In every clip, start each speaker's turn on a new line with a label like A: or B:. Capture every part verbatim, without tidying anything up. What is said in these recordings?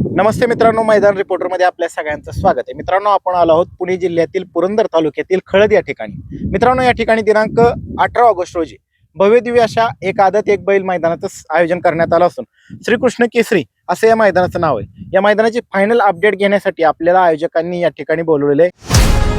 A: नमस्ते मित्रांनो, मैदान रिपोर्टर मध्ये आपल्या सगळ्यांचं स्वागत आहे। मित्रांनो, आपण आलो आहोत पुणे जिल्ह्यातील पुरंदर तालुक्यातील खळद या ठिकाणी। मित्रांनो, या ठिकाणी दिनांक अठरा ऑगस्ट रोजी भव्य दिव्य अशा एक आदत एक बैल मैदानाचं आयोजन करण्यात आलं असून श्रीकृष्ण केसरी असे या मैदानाचं नाव आहे। या मैदानाची फायनल अपडेट घेण्यासाठी आपल्याला आयोजकांनी या ठिकाणी बोलवलेले आहे।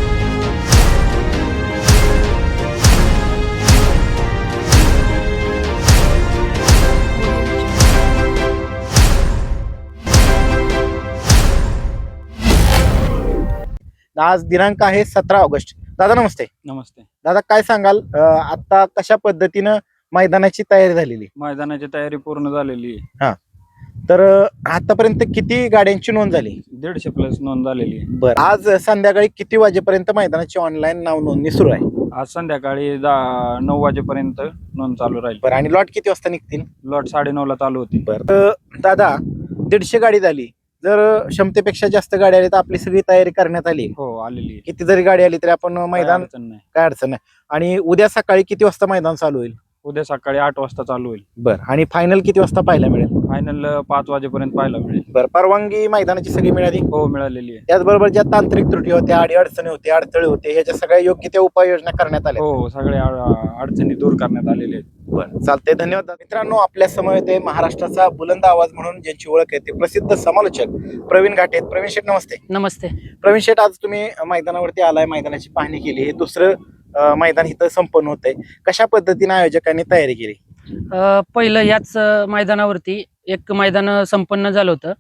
A: आज दिनांक आहे सतरा ऑगस्ट। दादा नमस्ते।
B: नमस्ते
A: दादा, काय सांगाल आता कशा पद्धतीनं मैदानाची तयारी झालेली?
B: मैदानाची तयारी पूर्ण झालेली आहे।
A: हा, तर आतापर्यंत किती गाड्यांची नोंद झाली?
B: दीडशे प्लस नोंद झालेली आहे।
A: बरं, आज संध्याकाळी किती वाजेपर्यंत मैदानाची ऑनलाईन नाव नोंदणी सुरू आहे?
B: आज संध्याकाळी दहा नऊ वाजेपर्यंत नोंद चालू राहील।
A: बरं, आणि लॉट किती वाजता निघतील?
B: लॉट साडे नऊ ला चालू होती।
A: बरं दादा, दीडशे गाडी झाली, जर क्षमतेपेक्षा जास्त गाडी आली तर आपली सगळी तयारी करण्यात आली?
B: हो, आलेली आहे।
A: किती जरी गाडी आली तरी आपण मैदान
B: अडचण नाही,
A: काय अडचण नाही। आणि उद्या सकाळी किती वाजता मैदान चालू होईल?
B: उद्या सकाळी आठ वाजता चालू होईल।
A: बरं, आणि फायनल किती वाजता पाहायला मिळेल?
B: फायनल पाच वाजेपर्यंत पाहायला मिळेल।
A: बरं, परवानगी मैदानाची सगळी मिळाली?
B: हो, मिळालेली आहे।
A: त्याचबरोबर ज्या तांत्रिक त्रुटी होत्या, अडी अडचणी होते, अडथळे होते, ह्याच्या सगळ्या योग्य त्या उपाययोजना करण्यात आल्या?
B: हो, सगळ्या अडचणी दूर करण्यात आलेल्या आहेत।
A: बरं, चालतंय, धन्यवाद। मित्रांनो, आपल्या समोर येते महाराष्ट्राचा बुलंद आवाज म्हणून ज्यांची ओळख आहे ते प्रसिद्ध समालोचक प्रवीण घाटे आहेत। प्रवीण शेठ नमस्ते।
C: नमस्ते
A: प्रवीण शेठ, आज तुम्ही मैदानावरती आलाय, मैदानाची पाहणी केली, हे दुसरं अं, मैदान इथं संपन्न होतंय, कशा पद्धतीने आयोजकांनी तयारी केली?
C: अ, पहिलं याच अ, मैदानावरती एक मैदान संपन्न झालं होतं।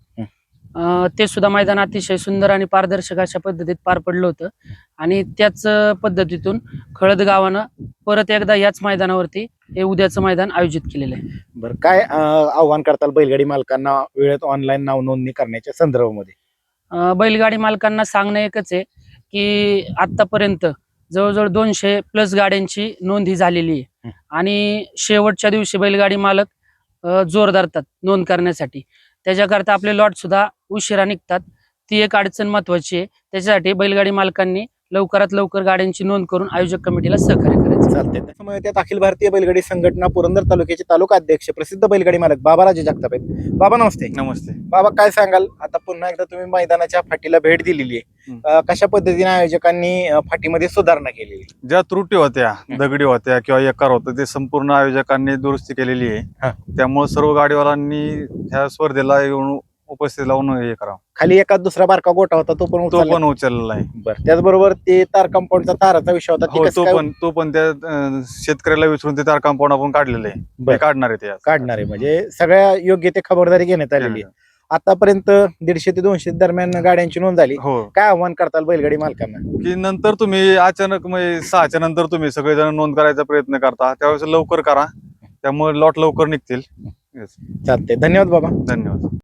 C: अ, ते सुद्धा मैदान अतिशय सुंदर आणि पारदर्शक अशा पद्धतीत पार पडलं होतं आणि त्याच अ, पद्धतीतून खळद गावानं परत एकदा याच मैदानावरती हे उद्याचं मैदान आयोजित केलेलं आहे।
A: बरं, काय अं, आव्हान करताल बैलगाडी मालकांना वेळेत ऑनलाईन नाव नोंदणी करण्याच्या संदर्भामध्ये?
C: अ, बैलगाडी मालकांना सांगणं एकच आहे की आतापर्यंत जवळजवळ दोनशे प्लस गाड्यांची नोंद ही झालेली आहे आणि शेवटच्या दिवशी बैलगाडी मालक अ, जोर धरतात नोंद करण्यासाठी। त्याच्याकरता आपले लॉट सुद्धा उशिरा निघतात, ती एक अडचण महत्वाची आहे। त्याच्यासाठी बैलगाडी मालकांनी लवकरात लवकर गाड्यांची नोंद करून आयोजक कमिटीला सहकार्य करायचं।
A: चालतंय। त्यामुळे त्यात अखिल भारतीय बैलगाडी संघटना पुरंदर तालुक्याचे तालुका अध्यक्ष प्रसिद्ध बैलगाडी मालक बाबाराजे जगताप आहेत। बाबा नमस्ते।
B: नमस्ते
A: बाबा, काय सांगाल, आता पुन्हा एकदा तुम्ही मैदानाच्या फाटीला भेट दिलेली आहे, अं, कशा पद्धतीने आयोजकांनी अं, फाटीमध्ये सुधारणा केलेली?
D: ज्या त्रुटी होत्या, दगडी होत्या किंवा एकार होतं, ते संपूर्ण आयोजकांनी दुरुस्ती केलेली
A: हा.
D: आहे। त्यामुळे सर्व गाडीवालांनी ह्या स्पर्धेला येऊन उपस्थित लावून हे करावं।
A: खाली एखाद दुसरा बारका गोटा होता, तो पण
D: तो
A: उचलला?
D: पण उचललेला आहे।
A: बरं, त्याचबरोबर ते तार कंपाऊंडचा ताराचा विषय होता, ते
D: हो,
A: कसं
D: तो
A: काय
D: पण तो पण त्या अं, शेतकऱ्याला विचारून ते तार कंपाऊंड आपण काढलेलं आहे,
A: बरं.
D: ते काढणार आहे ते आज.
A: काढणार आहे? म्हणजे सगळ्या योग्य ते खबरदारी घेण्यात आलेली आहे। आतापर्यंत दीडशे ते दोनशे दरम्यान गाड्यांची नोंद झाली,
D: हो,
A: काय आव्हान करताल बैलगाडी मालकांना?
D: की नंतर तुम्ही अचानक म्हणजे सहाच्या नंतर तुम्ही सगळेजण नोंद करायचा प्रयत्न करता, त्यावेळेस लवकर करा, त्यामुळे लॉट लवकर निघतील।
A: चालतंय, धन्यवाद बाबा।
D: धन्यवाद।